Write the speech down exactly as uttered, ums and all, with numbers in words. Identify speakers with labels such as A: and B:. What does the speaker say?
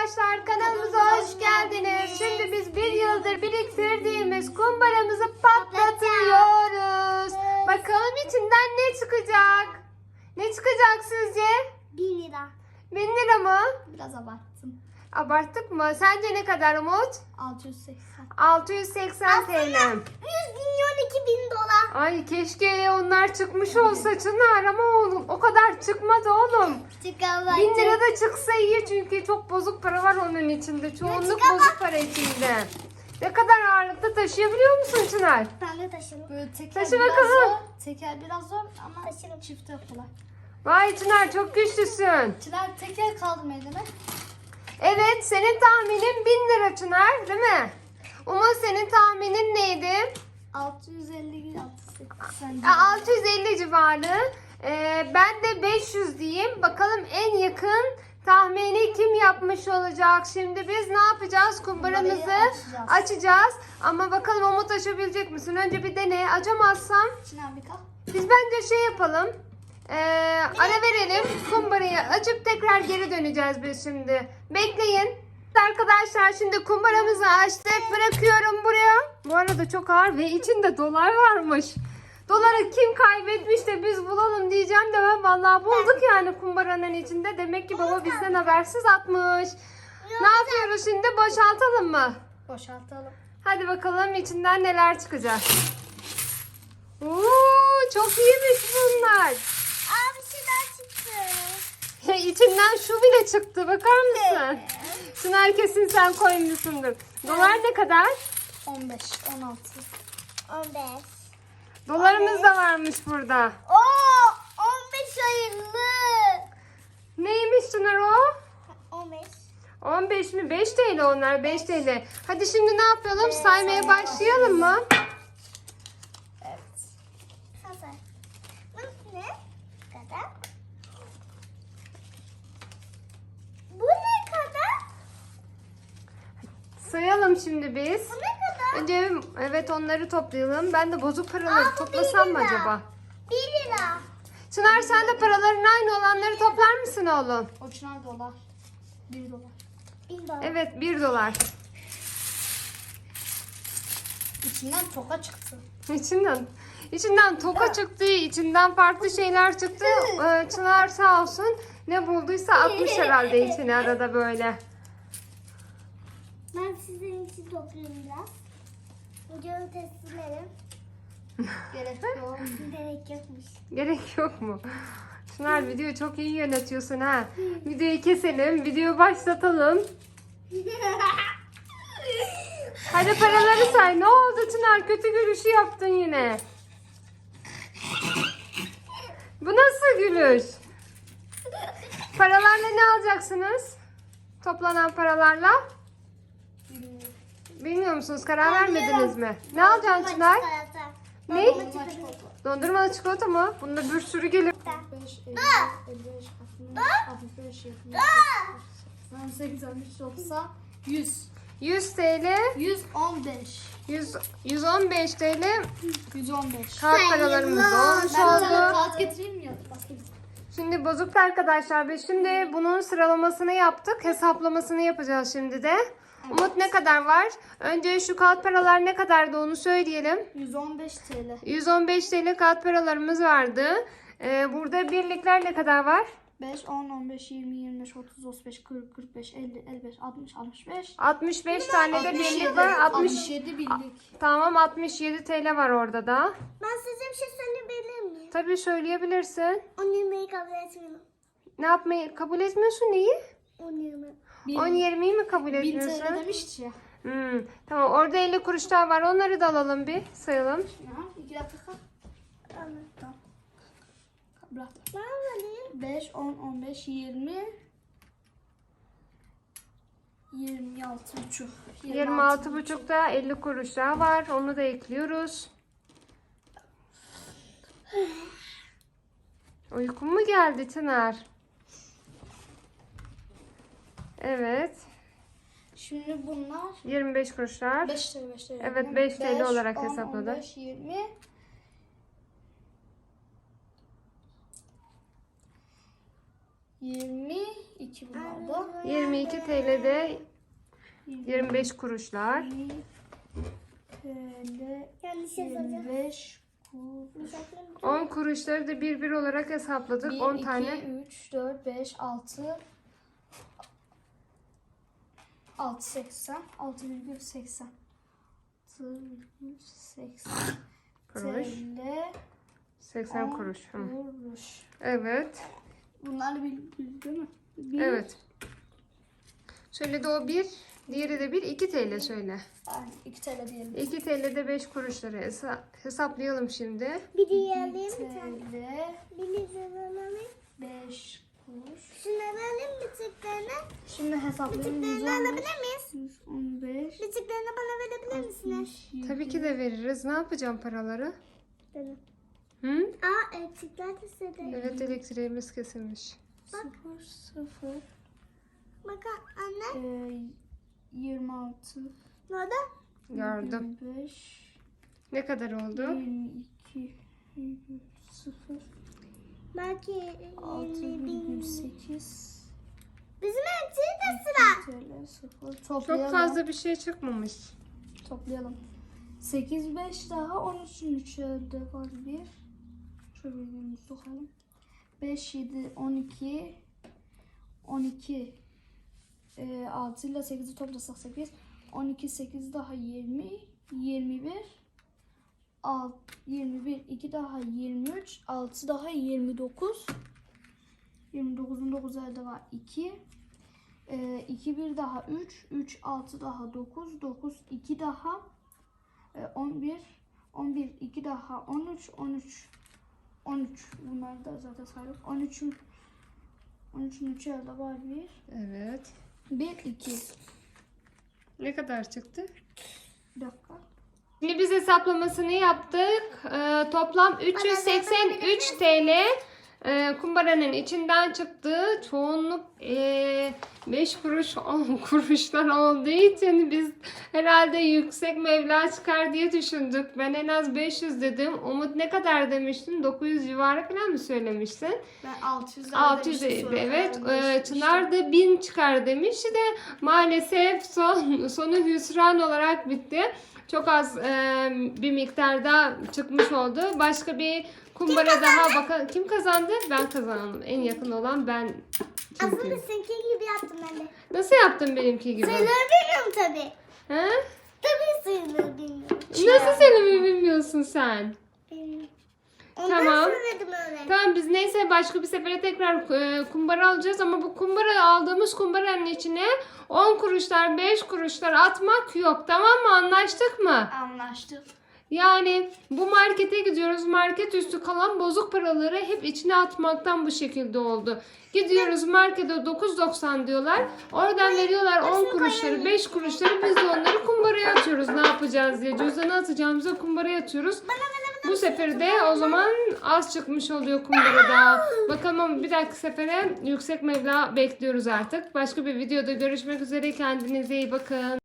A: arkadaşlar, kanalımıza hoş geldiniz. Şimdi biz bir yıldır biriktirdiğimiz kumbaramızı patlatıyoruz. Bakalım içinden ne çıkacak? Ne çıkacak sizce?
B: Bin lira.
A: Bin lira mı?
B: Biraz abarttım.
A: Abarttık mı? Sence ne kadar Umut?
B: altı yüz seksen.
A: altı yüz seksen T L.
B: yüz milyon iki bin dolar.
A: Ay keşke onlar çıkmış olsa Çınar, ama oğlum o kadar çıkmadı oğlum.
B: Çıkamaz.
A: Bin lira da çıksa iyi, çünkü çok bozuk para var onun içinde. Çoğunluk
B: çıkamaz.
A: bozuk para içinde. Ne kadar ağırlıkta taşıyabiliyor musun Çınar?
B: Ben de taşırım.
C: Böyle teker
A: Taşı
C: biraz
A: bakalım.
C: zor. Teker biraz zor ama
B: Taşırım.
C: çifte kolay.
A: Vay Çınar, çok güçlüsün.
C: Çınar teker kaldırmayı dene.
A: Evet, senin tahminin bin lira Çınar, değil mi? Umut, senin tahminin neydi?
C: altı yüz elli altı yüz seksen.
A: Ya, altı yüz elli civarı. Ee, ben de beş yüz diyeyim. Bakalım en yakın tahmini kim yapmış olacak? Şimdi biz ne yapacağız? Kumbaramızı
C: Kumbarayı açacağız.
A: açacağız. Ama bakalım Umut, açabilecek misin? Önce bir dene. Açamazsam
C: Çınar bir kalk.
A: biz bence şey yapalım. Ee, ara verelim. Kumbarayı açıp tekrar geri döneceğiz biz şimdi. Bekleyin. Arkadaşlar, şimdi kumbaramızı açtık. Bırakıyorum buraya. Bu arada çok ağır ve içinde dolar varmış. Doları kim kaybetmiş de biz bulalım diyeceğim de ben vallahi bulduk yani kumbaranın içinde. Demek ki baba bizden habersiz atmış. Ne yapıyoruz şimdi? Boşaltalım mı?
C: Boşaltalım.
A: Hadi bakalım içinden neler çıkacak. Oo, çok iyiymiş bunlar.
B: Aa, bir şey daha çıktı.
A: Ya, içinden şu bile çıktı. Bakar mısın? Çınar, kesin sen koymuşsundur. Dolar ne kadar?
C: on beş on altı.
B: on beş.
A: Dolarımız da varmış burada.
B: Oo, on beş hayırlı.
A: Neymiş Çınar o?
B: on beş.
A: on beş mi? beş T L onlar. beş T L. Hadi şimdi ne yapalım? Saymaya başlayalım mı?
C: Evet.
B: Hazır. Bu ne kadar? Bu ne kadar?
A: Sayalım şimdi biz.
B: Bu ne kadar?
A: Önce evet, onları toplayalım. Ben de bozuk paraları
B: Aa, bu
A: toplasam
B: bir
A: mı
B: lira.
A: acaba?
B: bir lira.
A: Çınar, sen de paraların aynı olanları toplar mısın oğlum?
C: O Çınar dolar. bir dolar.
B: bin dolar.
A: Evet, bir dolar.
C: İçinden toka çıktı.
A: İçinden. İçinden toka çıktı, içinden farklı şeyler çıktı. Ee, Çınar sağ olsun ne bulduysa atmış herhalde içine arada böyle.
B: Ben sizin için toplayayım biraz. Videoyu teslim edin.
C: Gerek yok.
B: Gerek yokmuş.
A: Gerek yok mu? Çınar, videoyu çok iyi yönetiyorsun ha. Videoyu keselim, videoyu başlatalım. Hadi paraları say. Ne oldu Çınar? Kötü gülüşü yaptın yine. Bu nasıl gülüş? Paralarla ne alacaksınız? Toplanan paralarla?
C: Bilmiyorum.
A: Bilmiyor musunuz? Karar vermediniz mi? Ne alacaksın Çınar? Ne?
C: Dondurma çikolata.
A: Dondurmalı çikolata mı? Bunda bir sürü gelir.
C: beş, elli, elli beş, altmış, altmış beş, yetmiş, seksen, sekiz, altmış, doksan, yüz.
A: yüz T L,
C: yüz on beş.
A: yüz, yüz on beş T L
C: yüz on beş.
A: kart paralarımız olmuş
C: Ben sana
A: oldu.
C: kağıt getireyim mi ya? Bakayım.
A: Şimdi bozuk arkadaşlar, biz şimdi bunun sıralamasını yaptık. Hesaplamasını yapacağız şimdi de. Umut, ne kadar var? Önce şu kağıt paralar ne kadardı onu söyleyelim.
C: yüz on beş T L.
A: yüz on beş T L kağıt paralarımız vardı. Ee, burada birlikler ne kadar var?
C: beş, on, on beş, yirmi, yirmi beş, otuz, otuz beş, kırk, kırk beş, elli, elli beş, altmış, altmış beş.
A: altmış beş tane de birlik var.
C: altmış
A: altmış.
C: yedi birlik.
A: Tamam, altmış yedi T L var orada da.
B: Ben size bir şey söyleyebilir miyim?
A: Tabii, söyleyebilirsin.
B: On yirmiyi kabul etmiyorum.
A: Ne yapmayı kabul etmiyorsun, neyi?
B: On yirmi.
A: on yirmiyi mi kabul
C: bin T L
A: etmiyorsun?
C: demişti ya.
A: Hmm, tamam, orada elli kuruş daha var. Onları da alalım, bir sayalım.
C: Ya, iki dakika. Tamam. Bırak.
B: Ben alayım.
C: beş, on, on beş, yirmi, yirmi altı buçuk.
A: yirmi altı buçukta elli kuruş daha var. Onu da ekliyoruz. Uykun mu geldi Çınar? Evet.
C: Şimdi bunlar
A: yirmi beş kuruşlar.
C: beş T L, beş T L.
A: Evet, beş T L olarak
C: on,
A: hesapladı.
C: on beş, yirmi, yirmi iki bunlar da. oldu.
A: yirmi iki T L'de yirmi beş kuruşlar.
C: yirmi T L
B: Yanlış yazıldı.
C: yirmi beş kuruş.
A: on kuruşları da bir bir olarak hesapladık.
C: bir,
A: on
C: iki,
A: tane.
C: üç, dört, beş, altı. altı seksen. altı virgül seksen. altı virgül seksen.
A: Kuruş.
C: T L
A: seksen
C: on
A: kuruş. Hı.
C: kuruş.
A: Evet.
C: Bunlar bildi değil mi? Bir,
A: Evet. Şöyle de o bir. Diğeri de bir. iki T L söyle.
C: Yani iki T L diyelim.
A: iki T L'de beş kuruşları hesa- hesaplayalım şimdi.
B: Bir diye alayım
C: iki
B: bir tane.
C: T L
B: Bir lira alayım.
C: beş kuruş.
B: Şunu alayım bitiklerini.
C: Şimdi hesaplayalım.
B: Bitiklerini alabilir miyiz?
C: yüz on beş.
B: Bitiklerini bana verebilir misiniz?
A: Tabii ki de veririz. Ne yapacağım paraları?
B: Benim.
A: Hı?
B: Aa elektrikler istedi.
A: Evet, elektriğimiz kesilmiş.
C: sıfır sıfır
B: Bak anne.
C: e, yirmi altı
B: Nerede?
A: Gördüm.
C: yirmi beş
A: Ne kadar oldu?
C: yirmi iki virgül sıfır
B: Belki
C: altı
B: yirmi
C: virgül
B: bin.
C: sekiz
B: Bizim elektriği de sıra.
C: T L sıfır. Toplayalım.
A: Çok fazla bir şey çıkmamış.
C: Toplayalım. sekiz beş daha on üçün üçerde var bir. Şöyle bir sokalım. beş yedi on iki on iki e, altı ile sekizi toplasak sekiz. on iki sekiz daha yirmi yirmi bir alt, yirmi bir iki daha yirmi üç altı daha yirmi dokuz yirmi dokuzun dokuz elde var iki e, iki bir daha üç üç altı daha dokuz dokuz iki daha e, on bir on bir iki daha on üç on üç on üç bunlar da zaten saydık. on üçün on üçün üçü elde var bir.
A: Evet.
C: bir iki.
A: Ne kadar çıktı?
C: Bir dakika.
A: Şimdi biz hesaplamasını yaptık. Ee, toplam üç yüz seksen üç T L e, kumbaranın içinden çıktı. Çoğunluk e, beş kuruş on kuruştan olduğu için biz herhalde yüksek meblağ çıkar diye düşündük. Ben en az beş yüz dedim. Umut ne kadar demiştin? dokuz yüz civarı falan mı söylemiştin?
C: Ben altı yüz
A: altı yüz evet. Ee, Çınar da bin çıkar demişti de maalesef son sonu hüsran olarak bitti. Çok az e, bir miktarda çıkmış oldu. Başka bir kumbara daha bakalım. Kim kazandı? Ben kazandım. En yakın olan ben.
B: Aslında
A: Çünkü.
B: seninki gibi yaptım ben de.
A: Nasıl yaptın benimki gibi?
B: Sayıları bilmiyorum tabii.
A: He?
B: Tabii sayıları bilmiyorum.
A: Nasıl senin bilmiyorsun sen?
B: Bilmiyorum. Ondan
A: Tamam.
B: söyledim öyle.
A: Tamam, biz neyse başka bir sefere tekrar e, kumbara alacağız ama bu kumbara aldığımız kumbaranın içine on kuruşlar beş kuruşlar atmak yok, tamam mı, anlaştık mı?
C: Anlaştık.
A: Yani bu markete gidiyoruz, market üstü kalan bozuk paraları hep içine atmaktan bu şekilde oldu. Gidiyoruz markete dokuz doksan diyorlar, oradan veriyorlar on kuruşları beş kuruşları, biz de onları kumbaraya atıyoruz ne yapacağız diye, cüzdanı atacağımıza kumbaraya atıyoruz. Bu sefer de o zaman az çıkmış oluyor kumbarada. Bakalım ama bir dahaki sefere yüksek meblağ bekliyoruz artık. Başka bir videoda görüşmek üzere. Kendinize iyi bakın.